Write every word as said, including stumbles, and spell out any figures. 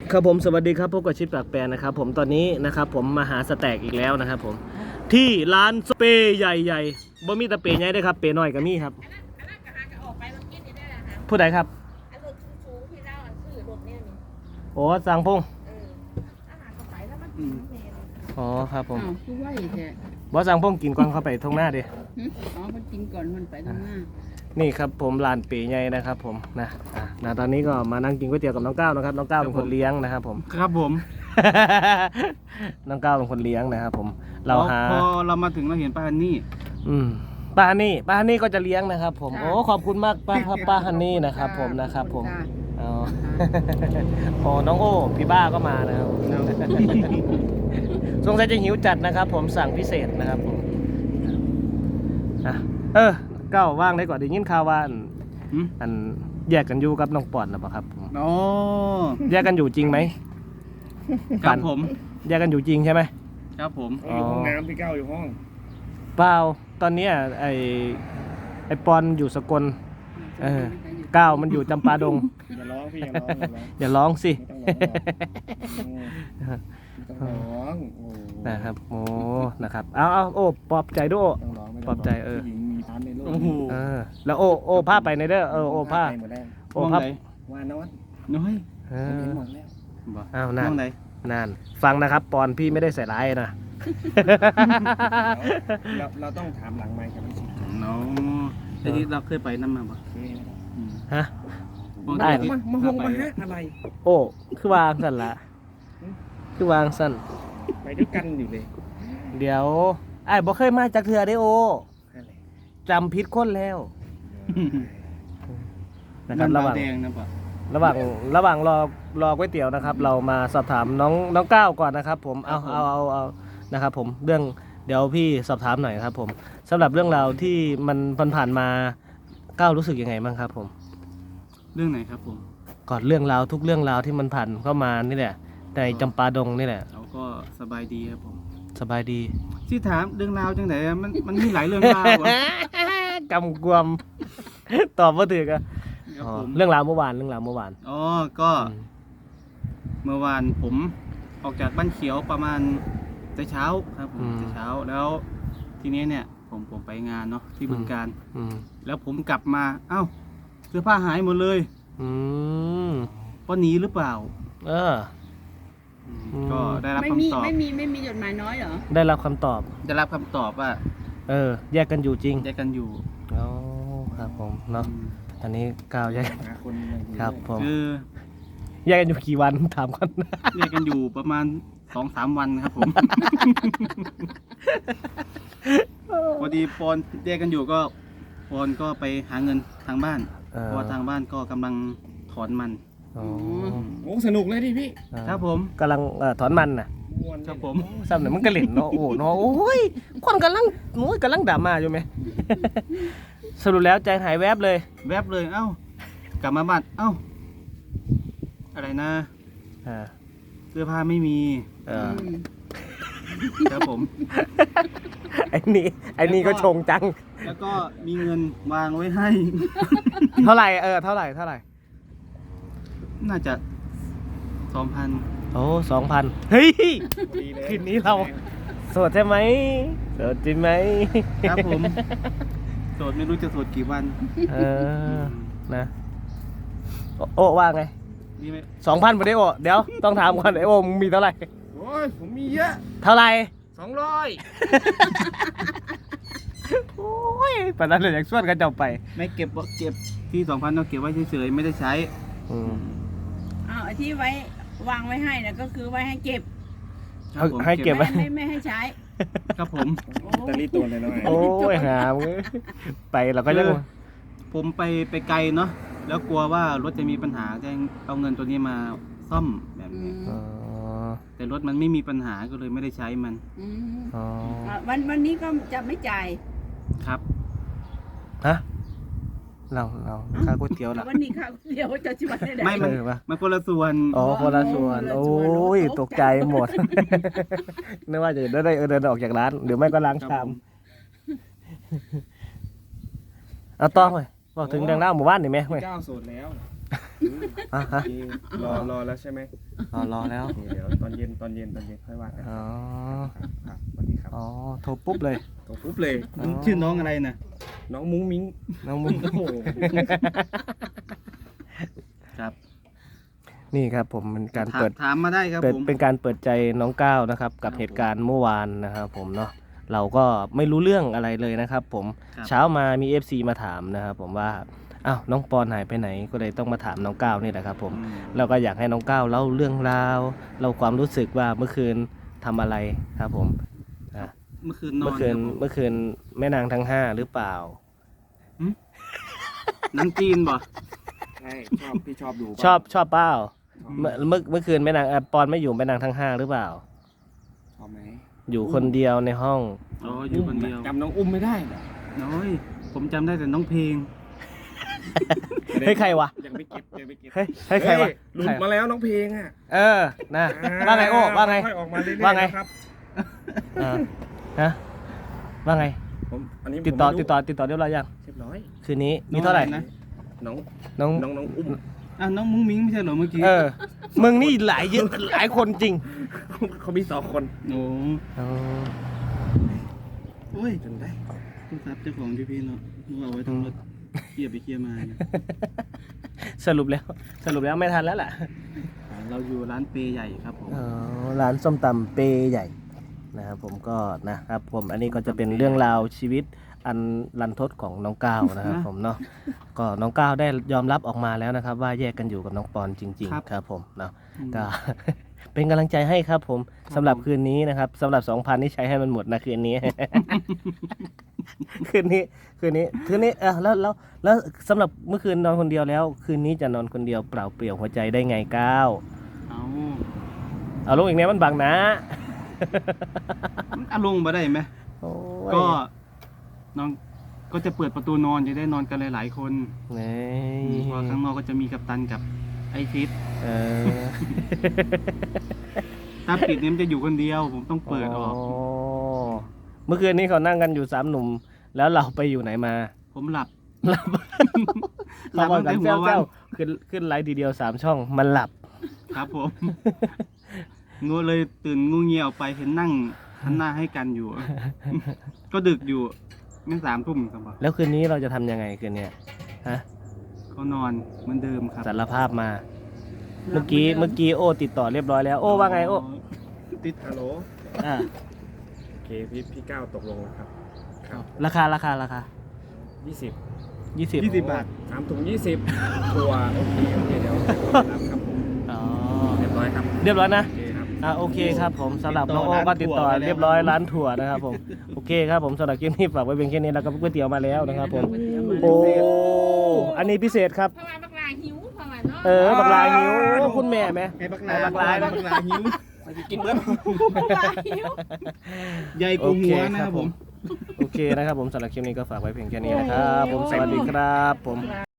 ครับผมสวัสดีครับพบกับชิปปากแปรนะครับผมตอนนี้นะครับผมมาหาสแต็กอีกแล้วนะครับผมที่ร้านสเปรย์ใหญ่ๆบ่มีแต่เปรย์ใหญ่ด้วยครับเปรย์น้อยก็มีครับผู้ใดครับโอ้สั่งพงอ๋อครับผมบอสั่งพงกินก่อนเข้าไปทงหน้าดิอ๋อมันกินก่อนมันไปทางหน้านี่ครับผมร้านเป๋ใหญ่นะครับผมนะนะตอนนี้ก็มานั่งกินก๋วยเตี๋ยวกับน้องก้าวนะครับน้องก้าวเป็นคนเลี้ยงนะครับผมครับผมน้องก้าวเป็นคนเลี้ยงนะครับผมเราหาพอเรามาถึงเราเห็นป้าฮันนี่อืมป้าฮันนี่ป้าฮันนี่ก็จะเลี้ยงนะครับผมโอ้ขอบคุณมากป้าครับป้าฮันนี่นะครับผมนะครับผมอ๋อโอ้น้องโอ้พี่บ้าก็มานะครับสงสัยจะหิวจัดนะครับผมสั่งพิเศษนะครับผมอ่ะเออก้าวว่างได้ก่อนได้ยินข่าวว่าอันแยกกันอยู่กับน้องปอนนะปะครับผมอ๋อแยกกันอยู่จริงไหมครับผมแยกกันอยู่จริงใช่ไหมครับผมอยู่ห้องน้ำพี่ก้าวอยู่ห้องเปล่าตอนนี้ไอไอปอนอยู่สกลเออก้าวมันอยู่จำปาดงอย่าร้องพี่อย่าร้องอย่าร้องสิต้องร้องนะครับโอ้นะครับเอาเอาโอ้ปลอบใจด้วยปลอบใจเออเออแล้วโอ้โอ้ผ้าไปในเด้อเออโอ้ผ้าโอ้ผ้าวานอนน้อยเออหมดแล้วอ้าวนานนานฟังนะครับปอนพี่ไม่ได้ใส่ร้ายนะเราเราต้องถามหลังไมค์กับพี่ชิน้องทีนี้เราเคยไปน้ำมาบ่ฮะได้มามาห้องมาฮะอะไรโอ้คือวางสั่นละคือวางสั่นไปด้วยกันอยู่เลยเดี๋ยวไอ้บ่เคยมาจากเถื่อได้โอจำพิษคนแล้วนะครับระหว่างระหว่างระหว่างรอรอก๋วยเตี๋ยวนะครับเรามาสอบถามน้องน้องก้าวก่อนนะครับผมเอาเอาเอาเอานะครับผมเรื่องเดี๋ยวพี่สอบถามหน่อยครับผมสำหรับเรื่องราวที่มันผ่านมาก้าวรู้สึกยังไงบ้างครับผมเรื่องไหนครับผมก่อนเรื่องราวทุกเรื่องราวที่มันผ่านเข้ามานี่แหละในจำปาดงนี่แหละเราก็สบายดีครับผมสบายดีที่ถามเรื่องราวจังไหนมันมันมีหลายเรื่องราวกำกวมตอบว่าถือกันเรื่องราวเมื่อวานเรื่องราวเมื่อวานอ๋อก็เมื่อวานผมออกจากบ้านเขียวประมาณแต่เช้าครับผมแต่เช้าแล้วทีนี้เนี่ยผมผมไปงานเนาะที่บึงกาฬแล้วผมกลับมาเอ้าเสื้อผ้าหายหมดเลยว่าหนีหรือเปล่าเออก็ได้รับคำตอบไม่มีไม่มีจดหมายน้อยเหรอได้รับคำตอบได้รับคำตอบว่าเออแยกกันอยู่จริงแยกกันอยู่อ๋อครับผมเนาะตอนนี้ก้าวแยกครับผมคือแยกกันอยู่กี่วันถามก่อนแยกกันอยู่ประมาณสองสามวันครับผมพอดีปอนแยกกันอยู่ก็ปอนก็ไปหาเงินทางบ้านเพราะว่าทางบ้านก็กำลังถอนมันโอ้สนุกเลยดิพี่ครับผมกำลังถอนมันน่ะครับผมซ้ำเนี่ยมันกระเหล่นเนาะโอ้เนาะโอ้ยคนกำลังโอ้ยกำลังด่ามาอยู่ไหมสรุปแล้วใจหายแวบเลยแวบเลยเอ้ากลับมาบ้านเอ้าอะไรนะเสื้อผ้าไม่มีครับผมไอ้นี่ไอ้นี่ก็ชงจังแล้วก็มีเงินวางไว้ให้เท่าไหร่เออเท่าไหร่เท่าไหร่น่าจะสองพันโอ้สองพันเฮ้ยคืนนี้เราโสดใช่ไหมโสดจริงไหมครับผมโสดไม่รู้จะโสดกี่วันเออนะโอ้ว่าไงสองพันพอดีโอเดี๋ยวต้องถามก่อนไอโอมึงมีเท่าไหร่โอ้ยผมมีเยอะเท่าไหร่สองร้อยโอ้ยปนัดเลยอยากส่วนกันเจ้าไปไม่เก็บเก็บที่สองพันเราเก็บไว้เฉยๆไม่ได้ใช้อ้าวที่ไว้วางไว้ให้นะก็คือไว้ให้เก็บให้เก็บไว้ไม่ไม่ให้ใช้ครับผมตะลี่ตัวเลยน้อยโอ้ยหามไปเราก็ยังผมไปไปไกลเนาะแล้วกลัวว่ารถจะมีปัญหาจะเอาเงินตัวนี้มาซ่อมแบบนี้แต่รถมันไม่มีปัญหาก็เลยไม่ได้ใช้มันวันวันนี้ก็จะไม่จ่ายครับฮะเราเราค่าก๋วยเตี๋ยวละวันนี้ค่าก๋วยเตี๋ยวจะชิมได้ไหมไม่มันมันคนละส่วนอ๋อคนละส่วนโอ้ยตกใจหมดนึกว่าจะได้เดินออกจากร้านหรือไม่ก็ล้างชามเอาต่อไปบอกถึงเรื่องเล่าหมู่บ้านหน่อยไหมเจ้าโสดแล้วอ่ะฮะพี่รอรอแล้วใช่ไหมรอรอแล้วโอเคเดี๋ยวตอนเย็นตอนเย็นตอนเย็นค่อยว่ากันอ๋อครับสวัสดีครับอ๋อโทรปุ๊บเลยตกปุ๊บเลยอ๋อชื่อน้องอะไรนะน้องมุ้งมิ้งน้องมุ้งโอ้โหครับนี่ครับผมเป็นการถามเปิดถามมาได้ครับเป็นผมเป็นการเปิดใจน้องก้าวนะครับ กับครับเหตุการณ์เมื่อวานนะครับผมเนาะเราก็ไม่รู้เรื่องอะไรเลยนะครับ ผมครับเช้ามามี เอฟ ซี มาถามนะครับผมว่าอ้าวน้องปอนหายไปไหนก็เลยต้องมาถามน้องก้าวนี่แหละครับผมอืมเราก็อยากให้น้องก้าวเล่าเรื่องราวเล่าความรู้สึกว่าเมื่อคืนทำอะไรครับผมอ่ะเมื่อคืนนอเมื่อน คืนครับผมเมื่อคืนแม่นางทั้งห้าหรือเปล่าหนังจีนบ่ใช่ชอบพี่ชอบดูป่ะชอบชอบเปล่าชอบเมื่อเมื่อเมื่อคืนแม่นางเอ่อปอนไม่อยู่แม่นางทั้งห้าหรือเปล่าชอบไหมอยู่คนเดียวในห้องอ๋ออยู่คนเดียวจำน้องอุ้มไม่ได้เหรอน้อยผมจำได้แต่น้องเพลงเฮ้ยใครวะยังไม่เก็บยังไม่เก็บเฮ้ยเฮ้ยใครวะเฮ้ยหลุดมาแล้วน้องเพลงอ่ะเออนะว่าไงโอ้ว่าไงค่อยออกมาเรื่อยๆว่าไงนะครับอ่าฮะว่าไงผมอันนี้ติดต่อผมไม่รู้ติดต่อติดต่อเรียบร้อยยังเรียบร้อยคืนนี้มีเท่าไหร่นะน้องน้องน้องน้องอุ้มอ่ะน้องมุ้งมิ้งไม่ใช่เหรอเมื่อกี้เออมึงนี่หลายเยอะหลายคนจริงเขามีสองคนโอ้อ๋อโอ้ยจนได้โทรศัพท์เจ้าของที่พี่เนาะนึกว่าเอาไว้ทำรถเคลียร์ไปเคลียร์มาเนี่ยสรุปแล้ว สรุปแล้วไม่ทันแล้วล่ะเราอยู่ร้านเปย์ใหญ่ครับผมอ๋อร้านส้มตำเปใหญ่นะครับผมก็นะครับผมอันนี้ก็จะเป็นเรื่องราวชีวิตอันรันทดของน้องก้าวนะครับผมเนาะก็น้องก้าวได้ยอมรับออกมาแล้วนะครับ ว่าแยกกันอยู่กับน้องปอนจริง ๆ ครับผมเนาะก็ เป็นกำลังใจให้ครับผมสำหรับคืนนี้นะครับสำหรับสองพันนี่ใช้ให้มันหมดนะคืนนี้ คืนนี้คืนนี้คืนนี้เออแล้วแล้วแล้วสำหรับเมื่อคืนนอนคนเดียวแล้ว คืนนี้จะนอนคนเดียวเปล่าเปลี่ยวหัวใจได้ไงก้าวเอาเอาลงอีกแนวมันบังนะมันอารมณ์มาได้ไหมโอ้ยก็น้องก็จะเปิดประตูนอนจะได้นอนกันหลายๆคนนี่เพราะข้างนอกก็จะมีกัปตันกับไอฟิตเออถ้าปิดเนี่ยมันจะอยู่คนเดียว ผมต้องเปิดออกเมื่อคืนนี้เขานั่งกันอยู่สามหนุ่ม แล้วเราไปอยู่ไหนมาผมหลับหลับหลัเขาบบอกตั้งกันแต่หัเจ้าววันเจ้าขึ้นขึ้นไลฟ์ทีเดียวสามช่องมันหลับครับผม งูเลยตื่นงูเงียวไปเห็นนั่งหันหน้าให้กันอยู่ ก็ดึกอยู่แม่งสามทุ่มครับแล้วคืนนี้เราจะทำยังไงคืนเนี้ยฮะก็นอนเหมือนเดิมครับสารภาพมา เมื่อกี้เมื่อกี้โอ้ติดต่อเรียบร้อยแล้ว โอ้ว่าไงโอ้ติดฮัลโหลอ่าโอเคพี่พี่ก้าวตกลงแล้วครับครับราคาราคาราคายี่สิบยี่สิบยี่สิบบาทสามถุงยี่สิบตัวโอเคโอเคเดี๋ยวรับครับผมอ๋อเรียบร้อยครับเรียบร้อยนะโอเคครับอ่าโอเคครับผมสำหรับติดต่น้อองโอ้ก็ติดต่อร้านถั่วเรียบร้อยร้านถั่วนะครับผมโอเคครับผมสำหรับคลิปนี้ฝากไว้เพียงแค่นี้แล้วก็ก๋วยเตี๋ยวมาแล้วนะครับผมโอ้อันนี้พิเศษครับเพราะว่าบักลาหิวเพราะว่าเนาะเออบักลายหิวคุณแม่ไหมไอ้บักลาไอ้บักลาบักลาหิวกินเบิ้ลบักลาหิวใหญ่กว่าหัวนะครับผมโอเคนะครับผมสำหรับคลิปนี้ก็ฝากไว้เพียงแค่นี้นะครับผมสวัสดีครับผม